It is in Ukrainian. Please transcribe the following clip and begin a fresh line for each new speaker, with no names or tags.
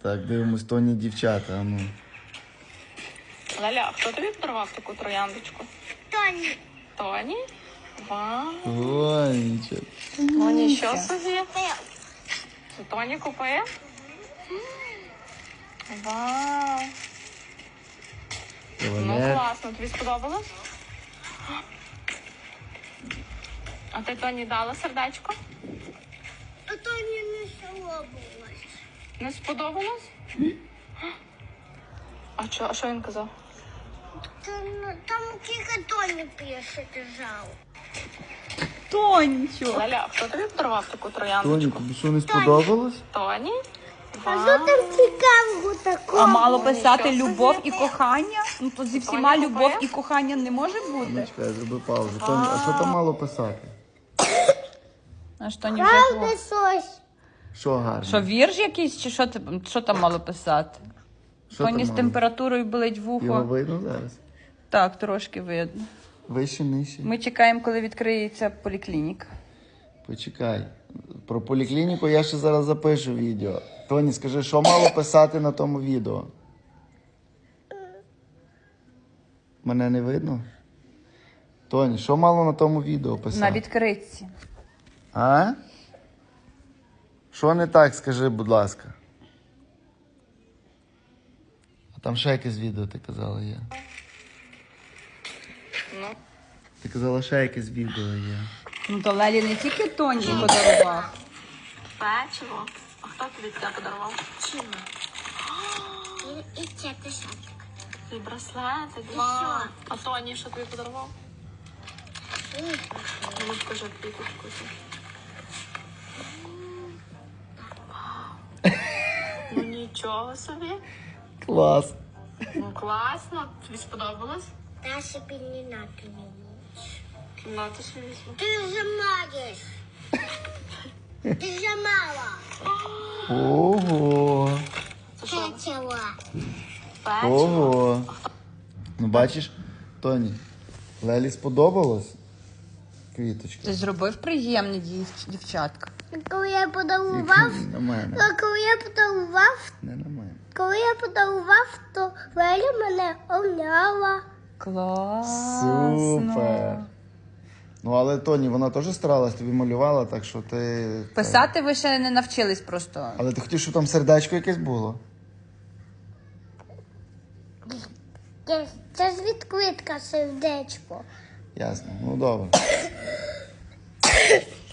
Так, дивимось, Тоні дівчата, а ну.
Лаля, хто тобі подарував таку трояндочку?
Тоні.
Тоні? Вау.
Ой, нічого.
Ну нічого собі. Це Тоні купив? Вау. Ну
Кавалер.
класно, тобі сподобалось? А ти Тоні дала сердечко?
А Тоні не сподобалось.
Не сподобалось? А що він казав?
Там тільки Тоні пише держав.
Тонечо.
Лаля, хто тобі подарував таку
Тоні,
трояндочку?
тобі що не сподобалось?
Тоні?
А що там цікавого такого?
А мало писати
нічого
любов
собі.
і кохання? Ну то зі всіма
Тоня
любов
купує?
і кохання не може бути.
Чекай, зроби паузу. Тоні, а що там мало писати?
А що не вже
Правда,
було?
щось.
Що гарно?
Що вірш якийсь, чи що там мало писати?
Що
Тоні
там
з
мало?
температурою болить
Його
вухо.
видно зараз?
Так, трошки видно.
Вище, нижче?
Ми чекаємо, коли відкриється поліклініка.
Почекай. Про поліклініку я ще зараз запишу відео. Тоні, скажи, що мало писати на тому відео? Мене не видно? Тоні, що мало на тому відео писати?
На відкритці.
А? Що не так, скажи, будь ласка. А там ще якесь відео, ти казала, є.
Ну,
Ти казала, ще якесь відео є.
Ну то Лелі не тільки Тоні подарував.
печиво. А хто тобі таке подарував?
Чим? І це десяток.
Твій браслетик. Вау. А Тоні що тобі подарував? Ну, скажи квіточку. Ну нічого собі.
Клас.
Ну класно. Тобі сподобалось?
Та собі не надо мені.
Ну, ти ж візьми.
Ти вже маєш. Ти вже мала.
Ого.
Це що?
Печива.
Печиво?
Ого. Ну бачиш, Тоні, Лелі сподобалось? Квіточка.
Ти зробив приємне дівчатка.
Коли я подарував,
На мене.
коли я подарував,
Не на мене.
коли я подарував, то Леля мене обняла.
Класно.
Супер. Ну, але Тоні, вона теж старалась, тобі малювала, так що ти...
Писати ви ще не навчились просто.
Але ти хотів, щоб там сердечко якесь було?
Це ж відкритка сердечко.
Ясно. Ну, добре.